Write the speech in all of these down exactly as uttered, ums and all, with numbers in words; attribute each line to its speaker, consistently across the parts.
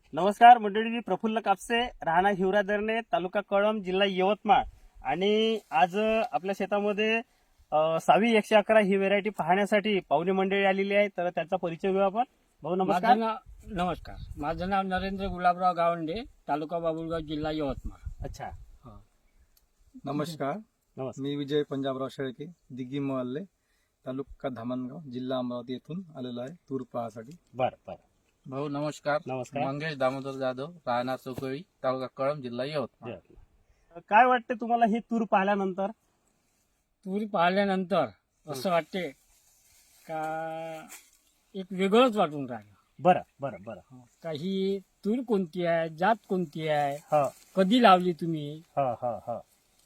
Speaker 1: नमस्कार मंडळी, मी प्रफुल्ल कापसे, राहणार हिवरादरणे, तालुका कळंब, जिल्हा यवतमाळ. आणि आज आपल्या शेतामध्ये अ, सावी एकशे अकरा ही व्हेरायटी पाहण्यासाठी पाहुणे मंडळी आलेली आहे. तर त्यांचा परिचय घेऊ आपण. भाऊ नमस्कार.
Speaker 2: माझं नाव नमस्कार माझं नाव नरेंद्र गुलाबराव गावंडे, तालुका बाबुळगाव, जिल्हा यवतमाळ.
Speaker 1: अच्छा,
Speaker 3: नमस्कार.
Speaker 1: नमस्कार.
Speaker 3: मी विजय पंजाबराव शेळके, दिग्गी मोहल्ले, तालुका धामणगाव, जिल्हा अमरावती येथून आलेलो आहे तूर पाहासाठी.
Speaker 1: बर बर
Speaker 4: भाऊ नमस्कार.
Speaker 1: नमस्कार.
Speaker 4: मंगेश दामोदर जाधव, राहणार चौकळी, तालुका कळंब, जिल्हा यवतमाळ.
Speaker 1: काय वाटते तुम्हाला ही तूर पाहिल्यानंतर?
Speaker 2: तूर पाहिल्यानंतर असं वाटते का एक वेगळंच वाटून राहिलं.
Speaker 1: बरं बरं बरं
Speaker 2: का ही तूर कोणती आहे, जात कोणती आहे,
Speaker 1: हो
Speaker 2: कधी लावली तुम्ही?
Speaker 1: हो हो हो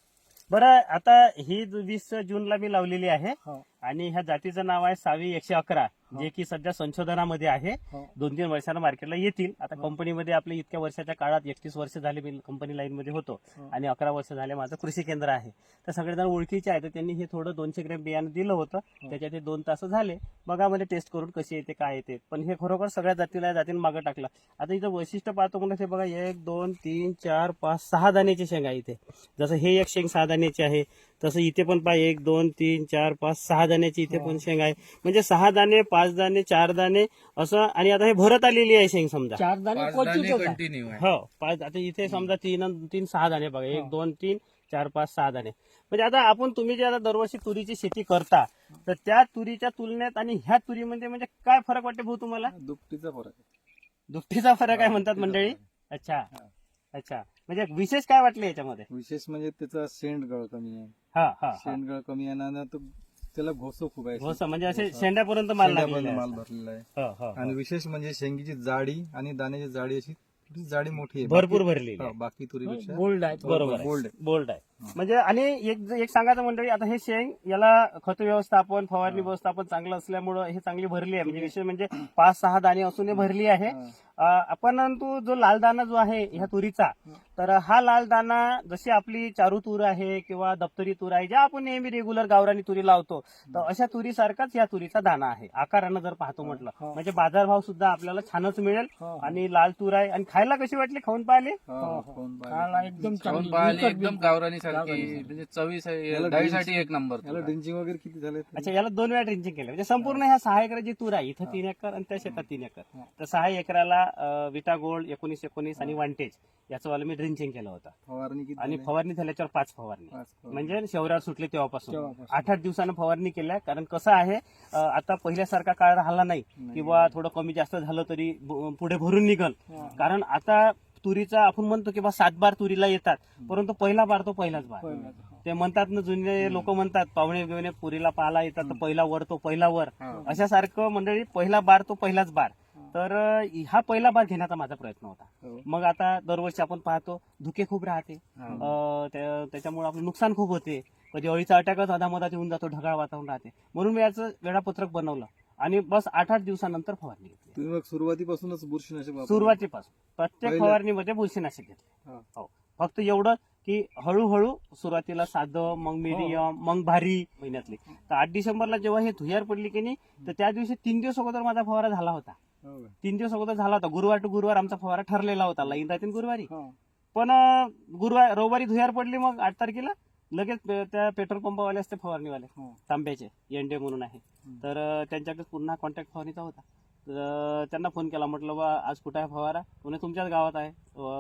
Speaker 1: बरं. आता ही वीस जूनला मी लावलेली आहे
Speaker 2: हो,
Speaker 1: आणि ह्या जातीचं नाव आहे सावी एकशे अकरा, जे की सध्या संशोधनामध्ये आहे.
Speaker 2: हो.
Speaker 1: दोन तीन वर्षांना मार्केटला येतील. आता कंपनीमध्ये आपल्या इतक्या वर्षाच्या काळात एकतीस वर्ष झाले मी कंपनी लाईन मध्ये होतो
Speaker 2: हो.
Speaker 1: आणि अकरा वर्ष झाले माझं कृषी केंद्र आहे. तर सगळेजण ओळखीचे आहे. तर त्यांनी हे थोडं दोनशे ग्रॅम बियाणं दिलं होतं. त्याच्यात हे दोन तास झाले बघा मला टेस्ट करून कशी येते काय येते. पण हे खरोखर सगळ्या जातीला या जातीने मागं टाकलं. आता इथं वैशिष्ट्य पाहतो म्हणजे हे बघा, एक दोन तीन चार पाच सहा दाण्याची शेंग आहे इथे. जसं हे एक शेंग सहा दाण्याची आहे, तसं इथे पण पहा एक दोन तीन चार पाच सहा दाण्याची इथे पण शेंग आहे. म्हणजे सहा दाणे, पाच दाणे, चार दाणे असं. आणि आता हे भरत आलेली आहे शेंग समजा.
Speaker 2: चार दाणे
Speaker 4: पाच
Speaker 2: क्वचितच
Speaker 4: दाणे
Speaker 2: आहे.
Speaker 4: कंटिन्यू आहे.
Speaker 1: हो पाच. आता इथे समजा तीन अन तीन सहा दाणे बघा, एक दोन तीन चार पाच सहा दाणे. म्हणजे आता आपण तुम्ही जे आता दरवर्षी तुरीची शेती करता, तर त्या तुरीच्या तुलनेत आणि ह्या तुरीमध्ये म्हणजे काय फरक वाटते भाऊ तुम्हाला?
Speaker 3: दुपटीचा फरक आहे.
Speaker 1: दुपटीचा फरक आहे म्हणतात मंडळी. अच्छा अच्छा, म्हणजे विशेष काय वाटले याच्यामध्ये?
Speaker 3: विशेष म्हणजे त्याचा शेंडगळ कमी आहे.
Speaker 1: हा हा हा.
Speaker 3: शेंडगळ कमी आहे ना, तो त्याला घोसो खूप आहे.
Speaker 1: हो सर, म्हणजे असे शेंड्यापर्यंत माल
Speaker 3: शेंड्यापर्यंत
Speaker 1: लागलेला
Speaker 3: माल
Speaker 1: आहे.
Speaker 3: भरलेला आहे.
Speaker 1: हो, हो, हो.
Speaker 3: आणि विशेष म्हणजे शेंगीची जाडी आणि दाण्याची जाडी अशी थोडी जाडी मोठी आहे.
Speaker 1: भरपूर
Speaker 3: बाकी-
Speaker 1: भरलेली
Speaker 3: हो,
Speaker 1: आहे.
Speaker 3: बाकी तुरीपेक्षा
Speaker 2: बोल्ड आहे.
Speaker 1: बरोबर आहे.
Speaker 3: बोल्ड आहे.
Speaker 1: बोल्ड आहे. म्हणजे आणि एक एक सांगायचं मंडळी, आता हे शेंग याला खत व्यवस्थापन, फवारणी व्यवस्थापन चांगलं असल्यामुळं हे चांगली भरली आहे. म्हणजे विशेष म्हणजे पाच सहा दाणे असून हे भरली आहे. अं, परंतु जो लाल दाना जो आहे ह्या तुरीचा, तर हा लाल दाना जशी आपली चारू तूर आहे किंवा दप्तरी तूर आहे, ज्या आपण नेहमी रेग्युलर गावरानी तुरी लावतो, तर अशा तुरीसारखाच या तुरीचा दाना आहे आकारानं जर पाहतो म्हटलं.
Speaker 2: हो.
Speaker 1: म्हणजे बाजारभाव सुद्धा आपल्याला छानच मिळेल.
Speaker 2: हो.
Speaker 1: आणि लाल तूर आहे. आणि खायला कशी वाटली, खाऊन पाहिले?
Speaker 3: हो,
Speaker 2: हो,
Speaker 3: कोण पाहिजे.
Speaker 2: खायला एकदम
Speaker 4: खाऊन
Speaker 2: चांगली,
Speaker 4: पाहिली
Speaker 2: विकत
Speaker 4: एकदम
Speaker 2: बिलकुल.
Speaker 4: गावरानी सारखी,
Speaker 2: गावरानी.
Speaker 4: म्हणजे चवीस
Speaker 3: याला
Speaker 4: डाळीसाठी एक नंबर.
Speaker 3: याला ड्रिंचिंग वगैरे किती झाले?
Speaker 1: अच्छा, याला दोन वेळा ड्रिंचिंग केलं. म्हणजे संपूर्ण ह्या सहा एकराची तूर आहे. इथं तीन एकर आणि त्या शेतात तीन एकर. तर सहा एकराला अं, विटा गोल्ड एकोणीस एकोणीस आणि वांटेज याचं वाला मी ड्रिंचिंग केलं होतं.
Speaker 3: फवारणी किती
Speaker 1: आणि
Speaker 3: झाली?
Speaker 1: फवारणी झाल्याच्यावर पाच फवारणी,
Speaker 3: पाच फवारणी.
Speaker 1: म्हणजे शेवऱ्यावर सुटले तेव्हापासून
Speaker 2: तेव्हापासून.
Speaker 1: आठ आठ दिवसानं फवारणी केल्या. कारण कसं आहे, अं, आता पहिल्यासारखा काळ राहिला नाही किंवा थोडं कमी जास्त झालं तरी ब- पुढे भरून निघल.
Speaker 2: हा.
Speaker 1: कारण आता तुरीचा आपण म्हणतो की बा सात बार तुरीला येतात, परंतु पहिला बार तो पहिलाच बार.
Speaker 2: पहिलाच.
Speaker 1: ते म्हणतात ना, जुने लोक म्हणतात पाहुणे बिवणे पुरीला पाहायला येतात तर पहिला वर तो पहिला वर. अशा सारखं मंडळी, पहिला बार तो पहिलाच बार. तर अं, हा पहिला बार घेण्याचा माझा प्रयत्न होता.
Speaker 3: हो.
Speaker 1: मग आता दरवर्षी आपण पाहतो धुके खूप राहते, अं, त्या- त्याच्यामुळे आपलं नुकसान खूप होते. कधी अळीचा अटॅकच अधामधात येऊन जातो, ढगाळ वातावरण राहते. म्हणून मी याचं वेळापत्रक बनवलं आणि बस आठ आठ दिवसानंतर फवारणी घेतली.
Speaker 3: तुम्ही मग सुरुवातीपासूनच बुरशीनाशक वापरलं?
Speaker 1: सुरुवातीपासून प्रत्येक
Speaker 3: पहिलं-
Speaker 1: फवारणीमध्ये बुरशीनाशक घेतले.
Speaker 3: हा.
Speaker 1: हो, फक्त एवढं की हळूहळू सुरुवातीला साधं, मग मीडियम, मग भारी महिन्यातली. तर आठ डिसेंबरला जेव्हा हे धुयार पडली की नाही, तर त्या दिवशी तीन दिवस अगोदर माझा फवारा झाला होता.
Speaker 3: हो का?
Speaker 1: तीन दिवस अगोदर झाला होता. गुरुवार टू गुरुवार आमचा फवारा ठरलेला होता. लाईन राहते ना गुरुवारी.
Speaker 2: हो.
Speaker 1: पण अं, गुरुवार रविवारी धुयार पडली. मग आठ तारखेला लगेच पे- त्या पेट्रोल पंपावाले असते फवारणीवाले,
Speaker 2: हो.
Speaker 1: तांब्याचे एनडे म्हणून आहे. तर अं, त्यांच्याकडे पुन्हा कॉन्टॅक्ट फवारणीचा होता. तर अं, त्यांना फोन केला, म्हटलं बा आज कुठं आहे फवारा? म्हणे तुमच्याच गावात आहे,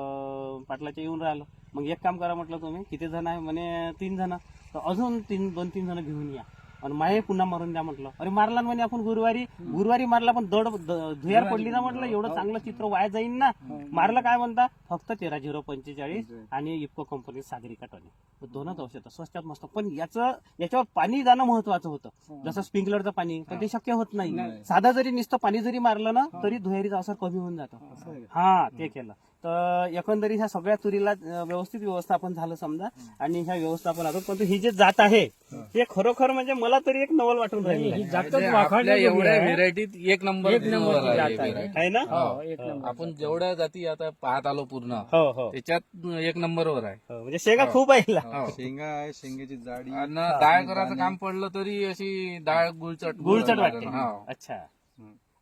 Speaker 1: अं, पाटलाच्या येऊन राहिलो. मग एक काम करा म्हटलं, तुम्ही किती जण आहे? म्हणे तीन जण. तर अजून तीन दोन तीन जण घेऊन या आणि माये पुन्हा मारून द्या म्हटलं. अरे मारला ना म्हणे आपण गुरुवारी. गुरुवारी मारला पण दड द- धुयार पडली ना म्हटलं, एवढं चांगलं चित्र वाया जाईन ना. मारलं काय म्हणता, फक्त तेरा झिरो पंचेचाळीस आणि इफ्को कंपनी सागरिका टॉनिक, दोनच औषधं स्वस्तात मस्त. पण याचं याच्यावर पाणी जाणं महत्वाचं होतं, जसं स्प्रिंकलरचं पाणी. पण ते शक्य होत नाही. साधा जरी नुसतं पाणी जरी मारलं ना तरी धुयारीचा असर कमी होऊन जातो. हा, ते केलं. तर एकंदरीत ह्या सगळ्या तुरीला अं, व्यवस्थित व्यवस्थापन झालं समजा. आणि ह्या व्यवस्थापनातून पण ही जे जात आहे हे खरोखर म्हणजे मला तरी एक नवल वाटून राहिली
Speaker 2: ही
Speaker 1: आहे.
Speaker 2: जातच
Speaker 4: म्हणजे
Speaker 2: वाखाणल्या
Speaker 4: आपल्या
Speaker 2: जोगी
Speaker 4: एवढ्या
Speaker 2: आहे.
Speaker 4: व्हेरायटीत एक नंबर
Speaker 2: एक नंबरची
Speaker 4: आहे
Speaker 2: जात
Speaker 4: ही
Speaker 2: आहे.
Speaker 4: variety.
Speaker 1: आहे ना?
Speaker 2: हो, एक नंबर.
Speaker 4: आपण जेवढ्या जाती आता पाहत आलो पूर्ण,
Speaker 1: हो हो
Speaker 4: त्याच्यात एक नंबरवर आहे.
Speaker 1: हो, म्हणजे शेंगा खूप आहे हिला.
Speaker 4: हो.
Speaker 3: शेंगा आहे, शेंगेची जाडी.
Speaker 4: आणि डाळ करायचं काम पडलं तरी अशी डाळ गुळचट
Speaker 1: गुळचट वाटते.
Speaker 4: हो.
Speaker 1: अच्छा.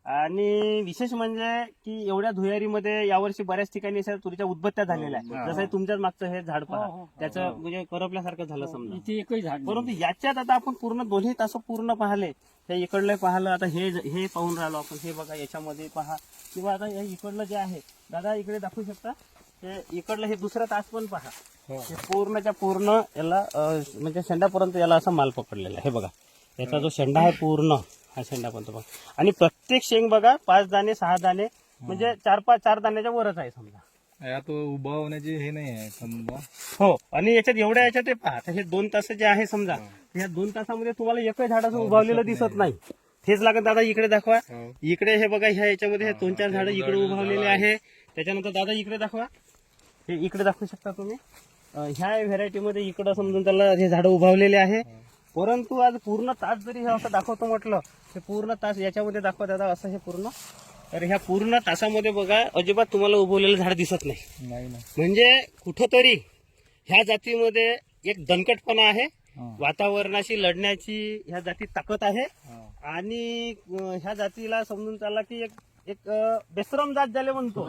Speaker 1: आणि विशेष म्हणजे की एवढ्या धुयारीमध्ये यावर्षी बऱ्याच ठिकाणी अशा तुरीच्या उदबत्त्या झालेल्या आहेत. जसं हे तुमच्याच मागचं हे झाड पहा,
Speaker 2: हो, हो.
Speaker 1: त्याचं म्हणजे करपल्यासारखं झालं समजा.
Speaker 2: इथे एकही झाड नाही.
Speaker 1: परंतु याच्यात आता आपण पूर्ण दोन्ही तास पूर्ण पाहिले, त्या इकडलं पाहिलं, आता हे हे पाहून राहिलो आपण. हे बघा याच्यामध्ये पहा, किंवा आता हे इकडलं जे आहे दादा इकडे दाखवू शकता, हे इकडलं हे दुसरा तास पण पहा. हे पूर्णच्या पूर्ण याला अं, म्हणजे शेंडापर्यंत याला असा माल पकडलेला आहे. हे बघा याचा जो शेंडा आहे पूर्ण हा शेंडापर्यंत बघा. आणि प्रत्येक शेंग बघा पाच दाणे सहा दाणे म्हणजे चार पाच चार दाण्याच्या वरच आहे समजा.
Speaker 3: यात उभा होण्याची हे नाही आहे समजा.
Speaker 1: हो, आणि याच्यात एवढ्या याच्यात हे पहा, आता हे दोन तास जे आहे समजा, या दोन तासामध्ये तुम्हाला एकही झाडाचं उभावलेलं दिसत नाही. तेच लागत दादा इकडे दाखवा. इकडे हे बघा ह्या याच्यामध्ये हे दोन चार झाडं इकडे उभावलेले आहे. त्याच्यानंतर दादा इकडे दाखवा, हे इकडे दाखवू शकता तुम्ही. अं, ह्या व्हेरायटीमध्ये इकडं समजून त्याला हे झाडं उभावलेले आहे. परंतु आज पूर्ण तास जरी हे असं दाखवतो म्हटलं, हे पूर्ण तास याच्यामध्ये दाखवा दादा असं हे पूर्ण, तर ह्या पूर्ण तासामध्ये बघा अजिबात तुम्हाला उभवलेलं झाड दिसत नाही.
Speaker 3: नाही ना.
Speaker 1: म्हणजे कुठंतरी ह्या जातीमध्ये एक दणकटपणा आहे, वातावरणाशी लढण्याची ह्या जातीत ताकद आहे. आणि अं, ह्या जातीला समजून चालला की एक एक अं, बेसरम जात ज्याला म्हणतो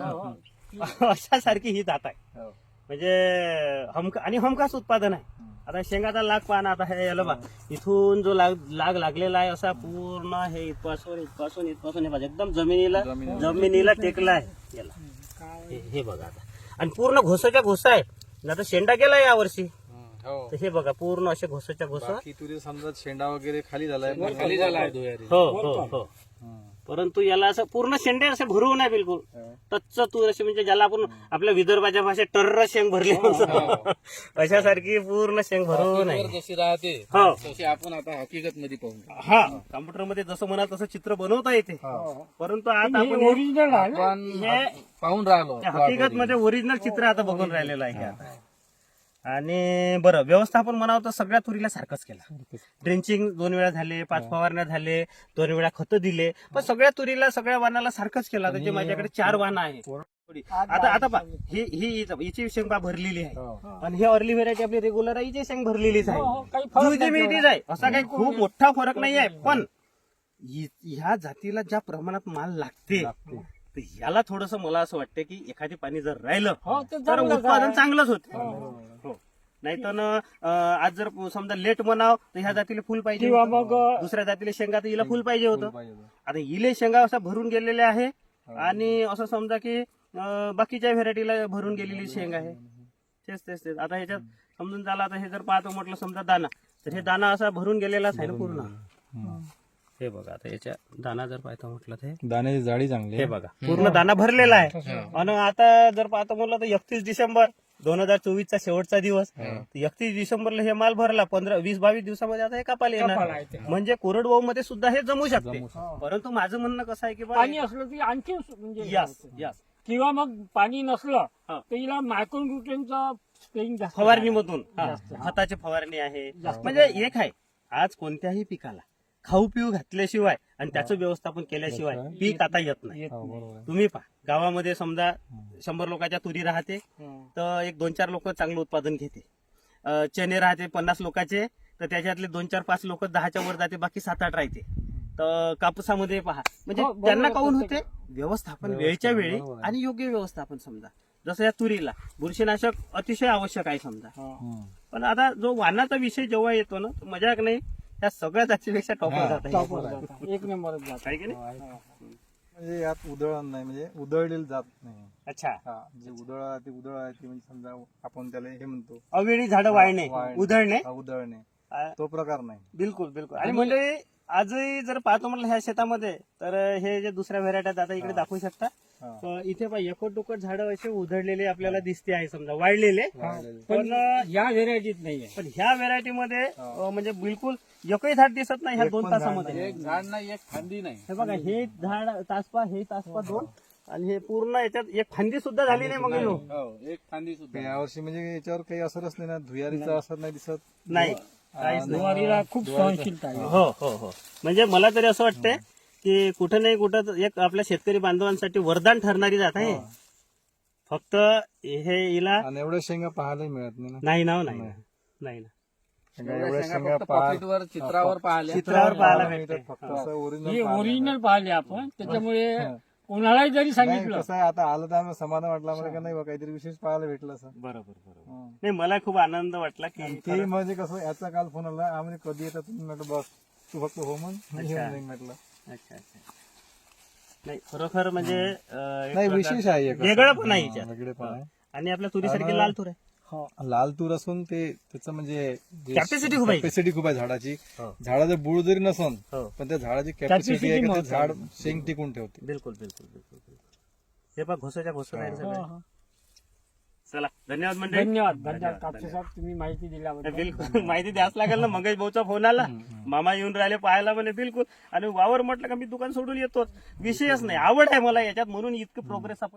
Speaker 1: अशा सारखी ही जात आहे. म्हणजे हमका आणि हमखास उत्पादन आहे. आता शेंगाचा लाग पाहा ना, आता हे याला बा इथून जो लाग लाग लागलेला आहे असा पूर्ण हे इथपासून इथपासून इथपासून हे बघा एकदम जमिनीला जमिनीला टेकला आहे याला. हे- हे बघा आता, आणि पूर्ण घोसाच्या घोसा आहे. आता शेंडा गेला यावर्षी,
Speaker 4: हो
Speaker 1: तर हे बघा पूर्ण असे घोसाच्या घोसा.
Speaker 3: की तुझे समजा शेंडा वगैरे खाली झालाय.
Speaker 4: खाली झाला आहे धुयारी.
Speaker 1: हो हो हो. परंतु याला असं पूर्ण शेंडे असे भरून आहे बिलकुल टच्च तूर अशी, म्हणजे ज्याला आपण आपल्या विदर्भाच्या भाषेत टर्र शेंग भरली म्हणतो अशासारखी पूर्ण शेंग भरून आहे.
Speaker 4: जशी राहते
Speaker 1: हो
Speaker 4: तशी आपण आता हकीकत मध्ये पाहू.
Speaker 1: हा, कॉम्प्युटर मध्ये जसं म्हणा तसं चित्र बनवता येते. परंतु आता आपण हे-
Speaker 2: ओरिजिनल आहे ना?
Speaker 4: आपण
Speaker 1: हे
Speaker 4: पाहून राहिलो
Speaker 1: हकीकत मध्ये ओरिजिनल चित्र आता बघून राहिलेलं आहे हे आता. आणि बरं, व्यवस्थापन म्हणावं तर सगळ्या तुरीला सारखंच केलं. ड्रेंचिंग दोन वेळा झाले, पाच फवारण्या झाले, दोन वेळा खतं दिले, पण सगळ्या तुरीला सगळ्या वाहनाला सारखंच केलं. आता जे माझ्याकडे चार वाहन आहे आता आता पहा, ही ही हिची शेंग पहा भरलेली आहे, आणि ही अर्ली व्हेरायटी आपली रेग्युलर आहे, हिची शेंग भरलेलीच
Speaker 2: हो, हो, काही
Speaker 1: आहे.
Speaker 2: फरक
Speaker 1: जुळती
Speaker 2: नाही
Speaker 1: मिळतीच आहे, असा काही खूप मोठा फरक नाही आहे. पण हि- ह्या जातीला ज्या प्रमाणात माल लागते, तर याला थोडस मला असं वाटतं की एखादी पाणी जर राहिलं
Speaker 2: हो, ते
Speaker 1: तर
Speaker 2: चांगलंच
Speaker 1: उत्पादन
Speaker 2: आहे.
Speaker 1: चांगलंच होते. हो. नाहीतर अं, आज जर समजा लेट म्हणाव तर ह्या जातीला फुल पाहिजे
Speaker 2: किंवा
Speaker 1: होतं.
Speaker 2: मग
Speaker 1: दुसऱ्या जातीला शेंगा तर हिला फुल पाहिजे होतं. आता इले शेंगा असा भरून गेलेल्या आहे, आणि असं समजा की अं, बाकीच्या व्हेरायटीला भरून गेलेली शेंग आहे. तेच तेच तेच आता ह्याच्यात समजून झाला. आता हे जर पाहतो म्हटलं समजा दाना, तर हे दाना असा भरून गेलेलाच आहे ना पूर्ण. हे बघा आता याच्या दाना जर पाहतो म्हटलं तर हे-
Speaker 3: दाण्याची जाडी चांगली
Speaker 1: हे बघा पूर्ण दाना भरलेला आहे. आणि आता जर पाहतो म्हटलं तर एकतीस डिसेंबर दोन हजार चोवीस चा शेवटचा दिवस, एकतीस डिसेंबरला हे माल भरला, पंधरा वीस बावीस दिवसामध्ये आता हे कापायला
Speaker 2: कापायला
Speaker 1: येणार.
Speaker 2: येते.
Speaker 1: म्हणजे कोरडवाहू मध्ये सुद्धा हे जमू शकते. परंतु माझं म्हणणं कसं आहे की बा
Speaker 2: पाणी असलं की आणखी म्हणजे
Speaker 1: यस यस
Speaker 2: किंवा मग पाणी नसलं
Speaker 1: हा.
Speaker 2: तर हिला मायक्रोन्यूट्रियनचा स्प्रेइंग जास्त
Speaker 1: फवारणीमधून हा, खताची फवारणी आहे. म्हणजे एक आहे, आज कोणत्याही पिकाला खाऊ पिऊ घातल्याशिवाय आणि त्याचं व्यवस्थापन केल्याशिवाय पीक आता येत नाही. तुम्ही पहा गावामध्ये समजा शंभर लोकांच्या तुरी राहते, तर एक दोन चार लोक चांगलं उत्पादन घेते. अं, चणे राहते पन्नास लोकांचे, तर त्याच्यातले दोन चार पाच लोक दहाच्या वर जाते, बाकी सात आठ राहते. तर कापसामध्ये पहा, म्हणजे
Speaker 2: हो, बरोबर
Speaker 1: त्यांना
Speaker 2: आहे,
Speaker 1: काऊन होते
Speaker 2: प्रत्येक-
Speaker 1: व्यवस्थापन वेळच्या वेळी आणि योग्य व्यवस्थापन. समजा जसं या तुरीला बुरशीनाशक अतिशय आवश्यक आहे समजा. पण आता जो वाहनाचा विषय जेव्हा येतो ना, तर मजाक नाही, त्या सगळ्या जातीपेक्षा टॉपर जात आहे.
Speaker 2: टॉपवर जातात. एक नंबरच जात
Speaker 1: आहे की नाही?
Speaker 3: म्हणजे यात उधळण नाही, म्हणजे उधळलेलं जात नाही.
Speaker 1: अच्छा,
Speaker 3: हा, जे उधळ आहे ते उधळ आहे ते म्हणजे समजा आपण त्याला हे म्हणतो
Speaker 1: अवेळी झाडं वाळणे,
Speaker 3: वाळणे.
Speaker 1: उधळणे,
Speaker 3: हा, उधळणे
Speaker 1: आ,
Speaker 3: तो प्रकार नाही.
Speaker 1: बिलकुल बिलकुल. आणि म्हणजे आजही जर पाहतो म्हटलं ह्या शेतामध्ये, तर हे जे दुसऱ्या व्हेरायट्या आता इकडे दाखवू शकता,
Speaker 3: हा.
Speaker 1: तर इथे पहा एकट दुकट झाडं असे उधळलेले आपल्याला दिसते आहे समजा, वाळलेले.
Speaker 3: वाळलेले.
Speaker 2: पण या व्हेरायटीत नाहीये.
Speaker 1: पण ह्या व्हेरायटीमध्ये म्हणजे बिलकुल एकही झाड दिसत नाही ह्या
Speaker 3: एक
Speaker 1: दोन
Speaker 3: पण झाड
Speaker 1: तासामध्ये.
Speaker 4: एक झाड नाही एक फांदी नाही.
Speaker 1: हे बघा, हे झाड तासपा, हे तासपा दोन, आणि हे पूर्ण याच्यात एक फांदी सुद्धा झाली नाही मग ह्यो.
Speaker 4: हो एक फांदी सुद्धा
Speaker 3: यावर्षी म्हणजे याच्यावर काही असरच नाही ना, धुयारीचा असर नाही दिसत.
Speaker 1: नाही, काहीच नाही.
Speaker 2: ज्वारीला खूप सहनशीलता आहे.
Speaker 1: हो हो हो. म्हणजे मला तरी असं वाटतंय की कुठं नाही कुठं एक आपल्या शेतकरी बांधवांसाठी वरदान ठरणारी जात आहे. फक्त हे हिला
Speaker 3: आणि एवढ्या शेंगा पाहायला मिळत नाही ना.
Speaker 1: नाही ना, नाही ना, नाही ना.
Speaker 3: शेंगा
Speaker 4: एवढ्या
Speaker 3: एवढ्या
Speaker 4: शेंगा
Speaker 3: शेंगा
Speaker 4: फक्त
Speaker 3: पाहा-
Speaker 4: पॉकेटवर चित्रावर पाहिल्या
Speaker 1: चित्रावर पाहायला
Speaker 3: नाही,
Speaker 1: भेटते.
Speaker 3: तर फक्त
Speaker 1: हो.
Speaker 3: असं
Speaker 2: ही
Speaker 3: ओरिजिनल
Speaker 2: ओरिजिनल पाहिली आपण त्याच्यामुळे
Speaker 3: हा.
Speaker 2: कोणालाही जरी
Speaker 3: नाही
Speaker 2: सांगितलं
Speaker 3: कसं आहे आता आलं तर आम्ही समाधान वाटलं आम्हाला का नाही बा काहीतरी विशेष पाहायला भेटलं असं
Speaker 1: बरोबर बरोबर
Speaker 3: हं.
Speaker 1: नाही मला खूप आनंद वाटला की
Speaker 3: आणि ते म्हणजे कसं याचा काल फोन आला आम्ही कधी येतात तुम्ही म्हटलं बस तू फक्त हो म्हण मी
Speaker 1: अच्छा.
Speaker 3: येऊन जाईन म्हटलं
Speaker 1: अच्छा अच्छा नाही खरोखर म्हणजे अं, एक
Speaker 3: नाही
Speaker 1: प्रकारचं
Speaker 3: विशेष आहे एक असं.
Speaker 1: वेगळं पण आहे
Speaker 3: हं,
Speaker 1: याच्यात.
Speaker 3: वेगळे पण आहे
Speaker 1: आणि आपल्या तुरीसारखी
Speaker 3: आणि-
Speaker 1: लाल तूर आहे
Speaker 3: हो, लाल तूर असून ते त्याचं म्हणजे
Speaker 1: Capacity खूप आहे.
Speaker 3: कॅपॅसिटी खूप आहे झाडाची
Speaker 1: हो.
Speaker 3: झाडाचं बुड जरी नसन
Speaker 1: हो
Speaker 3: पण त्या झाडाची कॅपॅसिटी
Speaker 2: Capacity
Speaker 3: आहे का ते
Speaker 2: महत्वाची.
Speaker 3: झाड शेंग टिकून ठेवते
Speaker 1: बिलकुल बिलकुल बिलकुल बिलकुल. हे पहा घोसाच्या घोसत आहे
Speaker 2: हो,
Speaker 1: सगळं
Speaker 2: हो.
Speaker 1: चला धन्यवाद मंडळी
Speaker 2: धन्यवाद धन्यवाद
Speaker 1: धन्यवाद,
Speaker 2: कापसे साहेब तुम्ही माहिती दिल्याबद्दल
Speaker 1: बिलकुल माहिती द्यास लागेल ना मंगेश भाऊचा फोन आला मामा येऊन राहिले पाहायला म्हणे बिलकुल आणि वावर म्हटलं का मी दुकान सोडून येतोच विषयच नाही आवड आहे मला याच्यात म्हणून इतकं प्रोग्रेस आपण